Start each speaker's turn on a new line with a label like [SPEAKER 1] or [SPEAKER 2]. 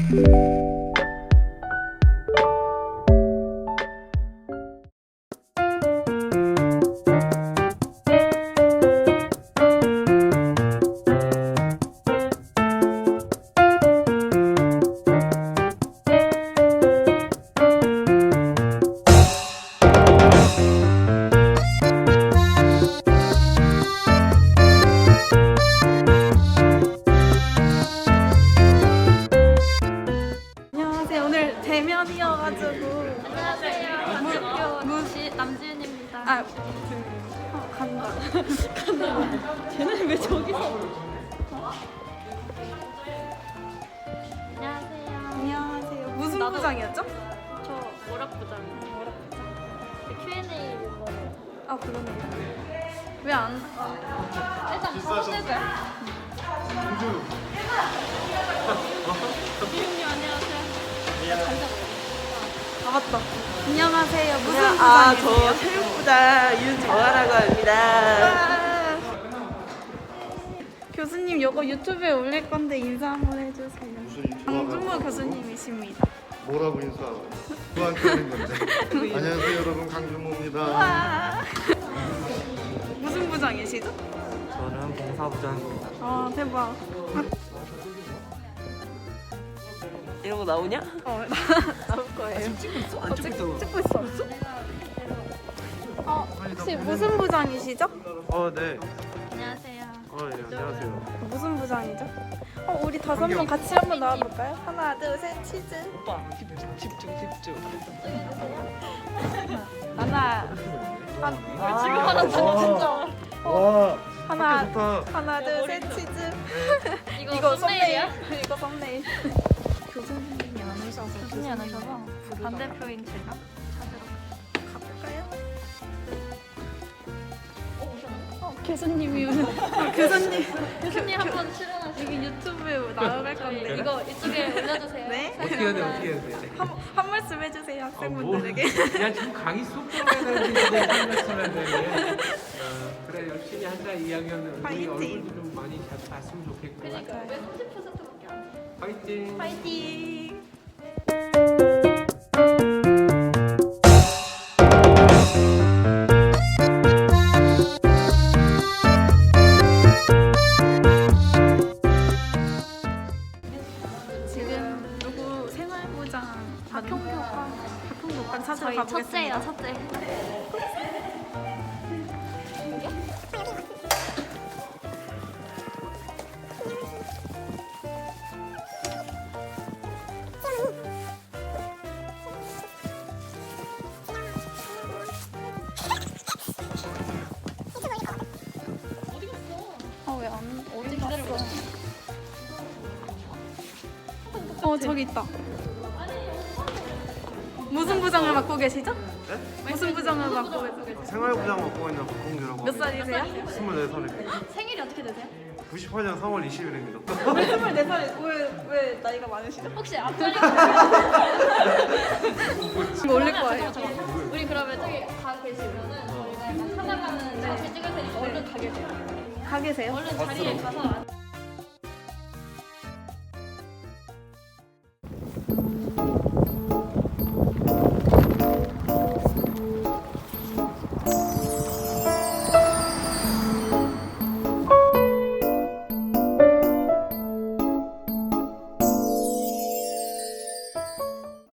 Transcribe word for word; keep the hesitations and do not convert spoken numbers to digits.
[SPEAKER 1] 대면이어가지고.
[SPEAKER 2] 안녕하세요.
[SPEAKER 1] 무, 무,
[SPEAKER 2] 시 남지윤입니다.
[SPEAKER 1] 아, 그, 어, 간다. 간다. 쟤는 왜 저기서?
[SPEAKER 2] 안녕하세요.
[SPEAKER 1] 안녕하세요. 무슨
[SPEAKER 2] 나도-
[SPEAKER 1] 부장이었죠?
[SPEAKER 2] 저 오락부장. 큐앤에이 이번에.
[SPEAKER 1] 아, 그러네요. 왜 안?
[SPEAKER 2] 일단 서울대고요. 지윤님 안녕하세요.
[SPEAKER 1] 아, 맞다. 안녕하세요. 무슨
[SPEAKER 3] 아,
[SPEAKER 1] 부장이세요?
[SPEAKER 3] 저 체육부장 윤정아라고 합니다.
[SPEAKER 1] 아. 교수님, 이거 유튜브에 올릴 건데 인사 한번 해주세요.
[SPEAKER 4] 무슨 유튜브
[SPEAKER 1] 강준모 교수님이십니다.
[SPEAKER 4] 뭐라고 인사하고 누구한테 하는 건데? 안녕하세요 여러분 강준모입니다.
[SPEAKER 1] 와. 무슨 부장이시죠?
[SPEAKER 5] 저는 봉사부장입니다.
[SPEAKER 1] 아, 대박.
[SPEAKER 3] 이런 거 나오냐?
[SPEAKER 1] 어, 나, 나올 거예요.
[SPEAKER 3] 찍고 있어?
[SPEAKER 1] 어, 찍, 찍고 있어. 어, 혹시 무슨 부장이시죠?
[SPEAKER 5] 어, 네.
[SPEAKER 2] 안녕하세요.
[SPEAKER 5] 어, 네, 안녕하세요.
[SPEAKER 1] 무슨 부장이죠? 어, 우리 다섯 명 같이 한번 나와볼까요? 하나, 둘, 셋, 치즈.
[SPEAKER 3] 오빠 집중 집중 집중.
[SPEAKER 1] 하나, 한,
[SPEAKER 5] 아,
[SPEAKER 1] 지금 하나 진짜.
[SPEAKER 5] 와,
[SPEAKER 1] 하나,
[SPEAKER 5] 좋다.
[SPEAKER 1] 하나, 둘, 셋, 치즈.
[SPEAKER 2] 이거,
[SPEAKER 1] 이거
[SPEAKER 2] 썸네일이야?
[SPEAKER 1] 썸네일. 이거 썸네일. 교수님이 안 오셔서
[SPEAKER 2] 교수님이 안 오셔서 반대표인 제가 찾으러
[SPEAKER 1] 가볼까요? 어, 교수님이 어, 교수님
[SPEAKER 2] 교수님 한번 출연하시고
[SPEAKER 1] 여기 유튜브에 나갈 건데
[SPEAKER 2] 이거 이쪽에 올려주세요.
[SPEAKER 1] 네?
[SPEAKER 5] 어떻게 해야 돼, 어떻게 해야 돼?
[SPEAKER 1] 한, 한 말씀 해주세요 학생분들에게.
[SPEAKER 5] 야, 지금 강의 쏙 들어가야 되는데 한 말씀 해야 되네. 어, 그래, 열심히 하자. 이 학년은 우리
[SPEAKER 1] 파이팅.
[SPEAKER 5] 얼굴도 좀 많이 잘 봤으면 좋겠고.
[SPEAKER 2] 그러니까 왜 삼십 퍼센트밖에 안 돼?
[SPEAKER 5] 파이팅.
[SPEAKER 1] 파이팅. 지금 누구 생활부장 박형교과 박형교과를 찾으러
[SPEAKER 2] 저희
[SPEAKER 1] 가보겠습니다.
[SPEAKER 2] 첫째예요, 첫째.
[SPEAKER 1] 어, 왜 안, 어디 갔어? 어, 저기 있다. 무슨 부장을 맡고 계시죠?
[SPEAKER 4] 네?
[SPEAKER 1] 무슨 부장을 맡고 계세요?
[SPEAKER 4] 생활부장 맡고 있는 박홍규라고
[SPEAKER 1] 몇 살이세요?
[SPEAKER 4] 스물네 살입니다.
[SPEAKER 2] 생일이 어떻게 되세요?
[SPEAKER 4] 구십팔 년 삼월 이십일입니다.
[SPEAKER 1] 왜 스물네 살? 왜, 왜 나이가 많으시죠?
[SPEAKER 2] 혹시 앞자리
[SPEAKER 1] 이거 올릴 거예요.
[SPEAKER 2] 우리 그러면 저기 가 계시면은 저희가 약간 찾아가는 장치 찍을 테니까 얼른 가 계세요.
[SPEAKER 1] 가 계세요?
[SPEAKER 2] 얼른 자리에 가서 앉-
[SPEAKER 1] 음.